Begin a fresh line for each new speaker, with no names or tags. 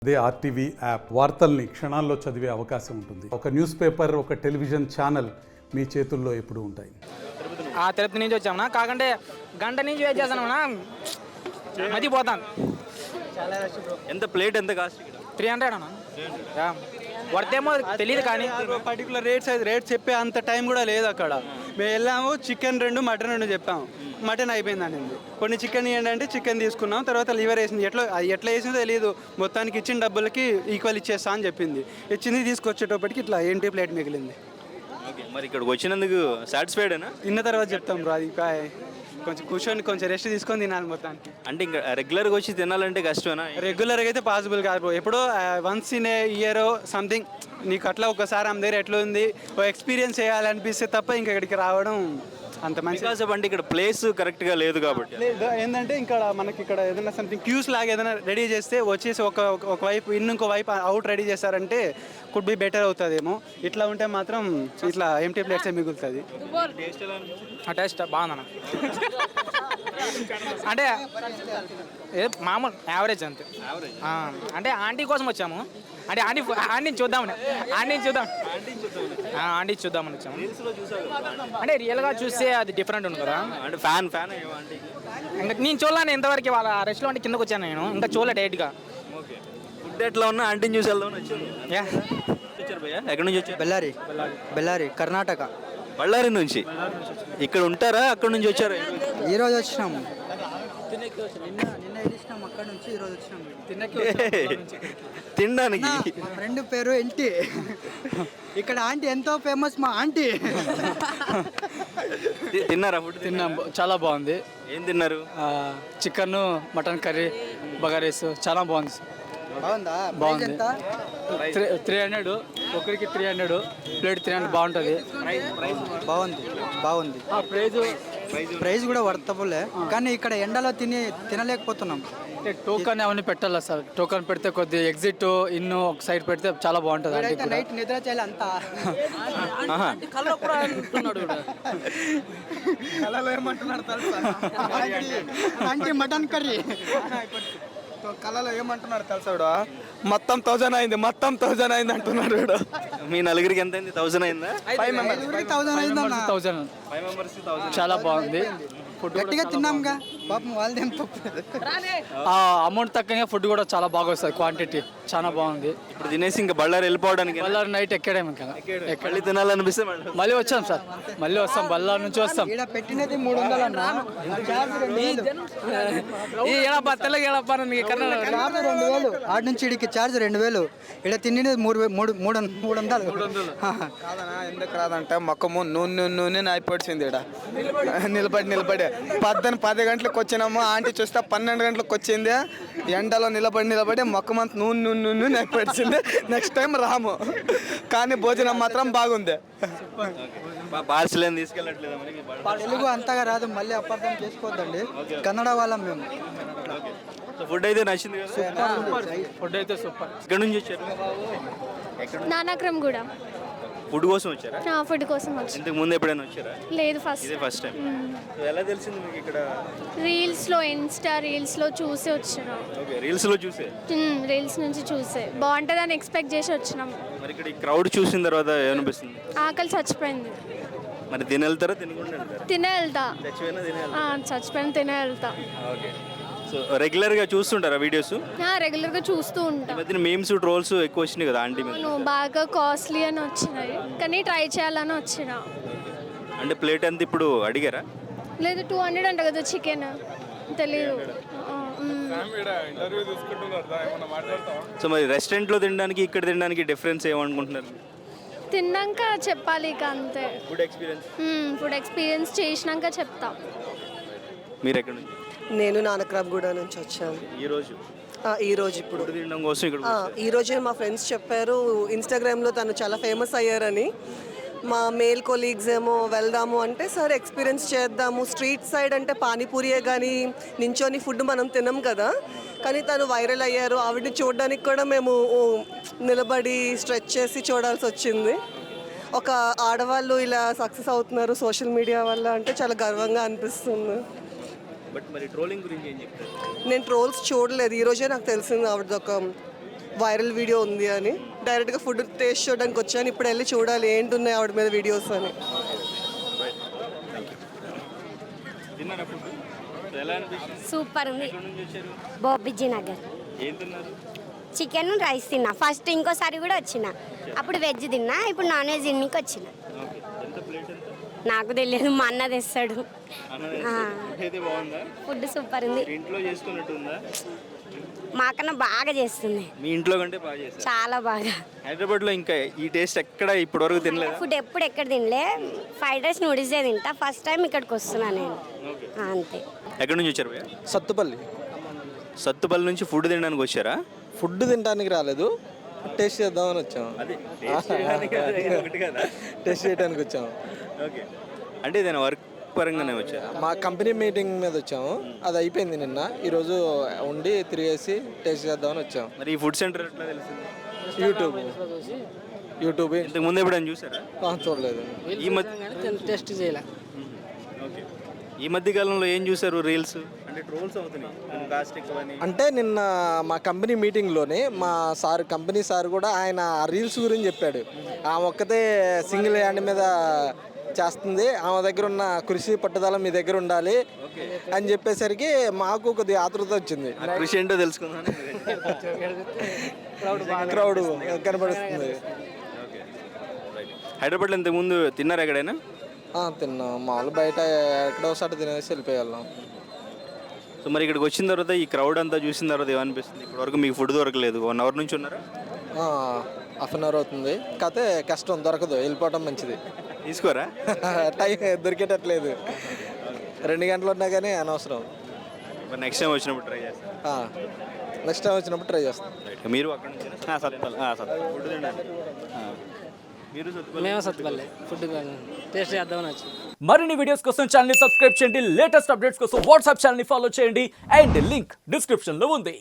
అదే RTV app వార్తల్ని క్షణాల్లో చదివే అవకాశం ఉంటుంది. ఒక న్యూస్ పేపర్, ఒక టెలివిజన్ ఛానల్ మీ చేతుల్లో ఎప్పుడూ ఉంటాయి.
తిరుపతి నుంచి వచ్చామన్నా, కాకంటే గంట నుంచి వెయిట్ చేస్తానన్నా, మతి పోతాను.
ఎంత ప్లేట్ ఎంత కాస్ట్?
300 అన్న. వర్తేమో తెలియదు కానీ
పర్టికులర్ రేట్ చెప్పే అంత టైం కూడా లేదు అక్కడ. మేము వెళ్ళాము, చికెన్ 2 మటన్ 2 చెప్పాము. మటన్ అయిపోయింది అనింది. కొన్ని చికెన్ ఇవ్వండి అంటే చికెన్ తీసుకున్నాం. తర్వాత లివర్ వేసింది. ఎట్లా వేసిందో తెలియదు. మొత్తానికి ఇచ్చిన డబ్బులకి ఈక్వల్ ఇచ్చేస్తా అని చెప్పింది. ఇచ్చింది, తీసుకొచ్చేటప్పటికి ఇట్లా ఏంటి ప్లేట్ మిగిలింది.
ఓకే, మరి ఇక్కడికి వచ్చినందుకు సాటిస్ఫైడేనా?
తిన్న తర్వాత చెప్తాం బ్రో. అది కొంచెం కూర్చొని కొంచెం రెస్ట్ తీసుకొని తినాలి మొత్తానికి.
అంటే ఇంకా రెగ్యులర్గా వచ్చి తినాలంటే కష్టమేనా?
రెగ్యులర్గా అయితే పాసిబుల్ కాదు బ్రో. ఎప్పుడో once in a year something నీకు అట్లా ఒకసారి ఆమె దగ్గర ఎట్లా ఉంది ఓ ఎక్స్పీరియన్స్ చేయాలనిపిస్తే తప్ప ఇంకా ఇక్కడికి రావడం అంత మంచి.
అంటే ఇక్కడ ప్లేస్ కరెక్ట్గా లేదు కాబట్టి
ఏంటంటే ఇక్కడ మనకి ఇక్కడ ఏదైనా సంథింగ్ క్యూస్ లాగా ఏదైనా రెడీ చేస్తే వచ్చేసి ఒక వైపు ఇంకో వైపు అవుట్ రెడీ చేస్తారంటే కుడ్ బి బెటర్ అవుతుందేమో. ఇట్లా ఉంటే మాత్రం ఇట్లా ఎంటీ ప్లేట్సే మిగులుతుంది.
ఆ టేస్ట్ బాగుందన్న. అంటే మామూలు యావరేజ్ అంతే. అంటే ఆంటీ కోసం వచ్చాము. అంటే ఆంటీని చూద్దామని వచ్చాము. అంటే రియల్గా చూస్తే అది డిఫరెంట్ ఉంది కదా.
అంటే ఫ్యాన్
ఇంకా నేను చూడలేను ఇంతవరకు. వాళ్ళ రెస్టారెంట్ కిందకు వచ్చాను నేను, ఇంకా చూడలే డైరెక్ట్గా.
ఓకే, ఫుడ్ ఎట్లా ఉన్నా ఆంటీని చూసి వెళ్దామని వచ్చాను. ఎక్కడి నుంచి వచ్చారు?
బెల్లారి కర్ణాటక.
బళ్ళారి నుంచి ఇక్కడ ఉంటారా? అక్కడ నుంచి వచ్చారా?
ఈరోజు వచ్చినాము. నిన్న వెళ్ళినాం అక్కడ నుంచి. ఈరోజు వచ్చినాము
తినడానికి.
మా ఫ్రెండ్ పేరు ఎల్టీ. ఇక్కడ ఆంటీ ఎంతో ఫేమస్ మా ఆంటీ.
తిన్నారా? ఫుడ్
తిన్నాం, చాలా బాగుంది.
ఏం తిన్నారు?
చికెన్, మటన్ కర్రీ, బగారేస్ చాలా బాగుంది.
బాగుందా?
బాగుంది. 300 ఒకరికి 300 ప్లేట్ 300 బాగుంటుంది.
బాగుంది. ప్రైస్ కూడా వర్తబులే, కానీ ఇక్కడ ఎండలో తినలేకపోతున్నాం.
టోకన్ అవన్నీ పెట్టాలా సార్? టోకన్ పెడితే కొద్దిగా ఎగ్జిట్ ఇన్ను ఒక సైడ్ పెడితే చాలా బాగుంటుంది.
నైట్ నిద్ర చేయాలి అంతా. ఆంటీ మటన్ కర్రీ
కళలో ఏమంటున్నాడు తెలుసా? మొత్తం 1000 అయింది, మొత్తం 1000 అయింది అంటున్నాడు.
మీ నలుగురికి ఎంత అయింది? 1000 అయిందా?
1000 అయిందన్న.
1000 చాలా బాగుంది.
గట్టిగా తిన్నాంగా పాపం వాళ్ళదేం.
అమౌంట్ తక్కువగా ఫుడ్ కూడా చాలా బాగా వస్తుంది. క్వాంటిటీ చాలా బాగుంది.
ఇప్పుడు తినేసి ఇంకా బళ్ళారి వెళ్ళిపోవడానికి.
బళ్ళారి నైట్ ఎక్కడే
మళ్ళీ తినాలనిపిస్తే
మళ్ళీ వచ్చాం సార్. మళ్ళీ వస్తాం, బళ్ళారి నుంచి వస్తాం.
ఇక్కడ పెట్టినది 300 అన్న. ఛార్జ్ 2000. ఆడ నుంచి ఇడికి ఛార్జ్ 2000. ఇక్కడ తినేది 300.
ఎందుకు రాదంటే మొక్కము నూనె అయిపోయింది. ఇక్కడ నిలబడి 10 గంటలకు వచ్చినాము. ఆంటీ చూస్తే 12 గంటలకు వచ్చింది. ఎండలో నిలబడి మొక్కమంత నూనె అయిపోయింది. నెక్స్ట్ టైం రాము, కానీ భోజనం మాత్రం బాగుంది.
పార్సల్ ఏం తీసుకెళ్ళట్లేదు?
తెలుగు అంతగా రాదు, మళ్ళీ అపార్థం చేసుకోవద్దండి. కన్నడ వాళ్ళం మేము.
ఫుడ్ అయితే నచ్చింది కదా?
ఫుడ్ అయితే సూపర్.
ఇక్కడ నుంచి వచ్చారు?
నానాక్రమ్ కూడా.
ఫుడ్ కోసం వచ్చారా?
ఫుడ్ కోసం వచ్చి.
ఇంతకు ముందు ఎప్పుడైనా వచ్చారా?
లేదు, ఫస్ట్
టైం. ఎలా తెలిసింది మీకు ఇక్కడ?
ఇన్స్టా రీల్స్లో చూసి వచ్చినాం.
ఓకే, రీల్స్లో చూసే.
రీల్స్ నుంచి చూసే బాగుంటుందని ఎక్స్పెక్ట్ చేసి వచ్చినాం.
మరి ఇక్కడ ఈ క్రౌడ్ చూసిన తర్వాత ఏమనిపిస్తుంది?
ఆకలి చచ్చిపోయింది.
మరి తినే వెళ్తారా తినకుండా వెళ్తారా?
తినే వెళ్తా.
చచ్చిపోయినా
తినే వెళ్తా.
ఓకే. సో రెగ్యులర్గా చూస్తుంటారా వీడియోస్?
రెగ్యులర్గా చూస్తూ ఉంటాం.
మధ్యన మీమ్స్, ట్రోల్స్ ఎక్కువ వచ్చినాయి కదా ఆంటీ మీద.
బాగా కాస్ట్లీ అని వచ్చినాయి, కానీ ట్రై చేయాలని వచ్చిన.
అంటే ప్లేట్ ఎంత ఇప్పుడు అడిగారా?
లేదు, 200 అంట కదా చికెన్. తెలీదు.
సో మరి రెస్టారెంట్లో తినడానికి ఇక్కడ తినడానికి డిఫరెన్స్ ఏమనుకుంటున్నారు?
తిన్నాక చెప్పాలి ఇక అంతే. ఫుడ్ ఎక్స్పీరియన్స్ చేసినాక చెప్తా.
మీరు ఎక్కడ నుంచి?
నేను నానక్రాబ్గూడ నుంచి వచ్చాను. ఈరోజు ఇప్పుడు
తినడం కోసం ఇక్కడ
ఈరోజే మా ఫ్రెండ్స్ చెప్పారు ఇన్స్టాగ్రామ్లో తను చాలా ఫేమస్ అయ్యారని. మా మేల్ కొలీగ్స్ ఏమో వెళ్దాము అంటే సరే ఎక్స్పీరియన్స్ చేద్దాము. స్ట్రీట్ సైడ్ అంటే పానీపూరియే కానీ నించొని ఫుడ్ మనం తినం కదా, కానీ తను వైరల్ అయ్యారు. ఆవిడని చూడడానికి కూడా మేము నిలబడి స్ట్రెచ్ చేసి చూడాల్సి వచ్చింది. ఒక ఆడవాళ్ళు ఇలా సక్సెస్ అవుతున్నారు సోషల్ మీడియా వల్ల అంటే చాలా గర్వంగా అనిపిస్తుంది.
బట్ మరి ట్రోలింగ్ గురించి ఏం చెప్తారు?
నేను ట్రోల్స్ చూడలేదు, ఈరోజే నాకు తెలిసింది ఆవిడది ఒక వైరల్ వీడియో ఉంది అని డైరెక్ట్గా ఫుడ్ టేస్ట్ చూడడానికి వచ్చాను. ఇప్పుడు వెళ్ళి చూడాలి ఏంటి ఉన్నాయి ఆవిడ మీద వీడియోస్ అని.
తిన్నారా ఫుడ్ ఎలా అనిపిస్తుంది?
సూపర్ ఉంది.
ఎక్కడి నుంచి వచ్చారు?
బోబిజీ నగర్.
ఏం తిన్నారు?
చికెన్ రైస్ తిన్నా ఫస్ట్, ఇంకోసారి కూడా వచ్చిన. అప్పుడు వెజ్ తిన్నా, ఇప్పుడు నాన్ వెజ్ తిన్నికి వచ్చిన.
ఓకే. ఎంత ప్లేట్ ఎంత?
నాకు తెలియదు, మా అన్న తెస్తాడు.
అయితే బాగుందా?
ఫుడ్ సూపర్ ఉంది.
ఇంట్లో చేసుకున్నట్టు ఉందా?
మాకన్నా బాగా చేస్తుంది,
మీ ఇంట్లో కంటే బాగా చేస్తారు.
చాలా బాగా.
హైదరాబాద్లో ఇంకా ఈ టేస్ట్ ఎక్కడ ఇప్పటివరకు తినలేదా?
ఫుడ్ ఎప్పుడు ఎక్కడ తినలే. ఫ్రైడ్ రైస్ నూడిల్సే తింటా. ఫస్ట్ టైం ఇక్కడికి వస్తున్నా నేను. అంతే.
ఎక్కడి నుంచి వచ్చారు భయ్యా?
సత్తుపల్లి.
సత్తుపల్లి నుంచి ఫుడ్ తినడానికి వచ్చారా?
ఫుడ్ తినడానికి రాలేదు, టేస్ట్ చేద్దామని వచ్చాము.
అది టేస్ట్ చేయడానికి ఒకటి కదా.
టేస్ట్ చేయడానికి వచ్చాము.
ఓకే. అంటే ఏదైనా వర్క్ పరంగానే వచ్చారా?
మా కంపెనీ మీటింగ్ మీద వచ్చాము, అది అయిపోయింది నిన్న. ఈరోజు ఉండి తిరిగేసి టేస్ట్ చేద్దామని వచ్చాము.
మరి ఈ ఫుడ్ సెంటర్ ఎట్లా తెలిసింది?
యూట్యూబ్
ఇంతకు ముందు ఎప్పుడైనా చూసారా?
చూడలేదు.
ఈ మధ్య
టెస్ట్ చేయలే.
ఓకే. ఈ మధ్య కాలంలో ఏం చూసారు? రీల్స్ అంటే ట్రోల్స్ అవుతున్నాయి కాస్ట్ ఎక్కువని.
అంటే నిన్న మా కంపెనీ మీటింగ్లోనే మా సార్, కంపెనీ సార్ కూడా ఆయన రీల్స్ గురించి చెప్పాడు. ఆమె ఒక్కతే సింగిల్ హ్యాండ్ మీద చేస్తుంది, ఆమె దగ్గర ఉన్న కృషి పట్టుదల మీ దగ్గర ఉండాలి అని చెప్పేసరికి మాకు కొద్దిగా ఆతృత వచ్చింది.
ఆ కృషి ఏంటో తెలుసుకుందాం.
క్రౌడ్ కనబడుతుంది.
హైదరాబాద్లో ఇంతకుముందు తిన్నారా ఎక్కడైనా?
తిన్నాం, మామూలు బయట ఎక్కడో ఒకసారి తినేసి వెళ్ళిపోయాం.
సో మరి ఇక్కడికి వచ్చిన తర్వాత ఈ క్రౌడ్ అంతా చూసిన తర్వాత ఏమనిపిస్తుంది? ఇప్పటివరకు మీకు ఫుడ్ దొరకలేదు, 1 అవర్ నుంచి ఉన్నారా?
హాఫ్ అన్ అవర్ అవుతుంది. కాకపోతే కష్టం, దొరకదు, వెళ్ళిపోవటం మంచిది.
తీసుకోరా?
టైం దొరికేటట్లేదు, 2 గంటలు ఉన్నా కానీ అనవసరం.
మరి నెక్స్ట్ టైం వచ్చినప్పుడు ట్రై చేస్తాను.
నెక్స్ట్ టైం వచ్చినప్పుడు ట్రై చేస్తాం.
మీరు అక్కడ నుంచి ఫుడ్ తినండి. మీరు
మేము సత్తుపల్లి ఫుడ్ టేస్ట్ చేద్దామని వచ్చి.
మరిన్ని వీడియోస్ కోసం ఛానల్ ని సబ్స్క్రైబ్ చేయండి. లేటెస్ట్ అప్డేట్స్ కోసం వాట్సాప్ ఛానల్ ని ఫాలో చేయండి. అండ్ లింక్ డిస్క్రిప్షన్ లో ఉంది.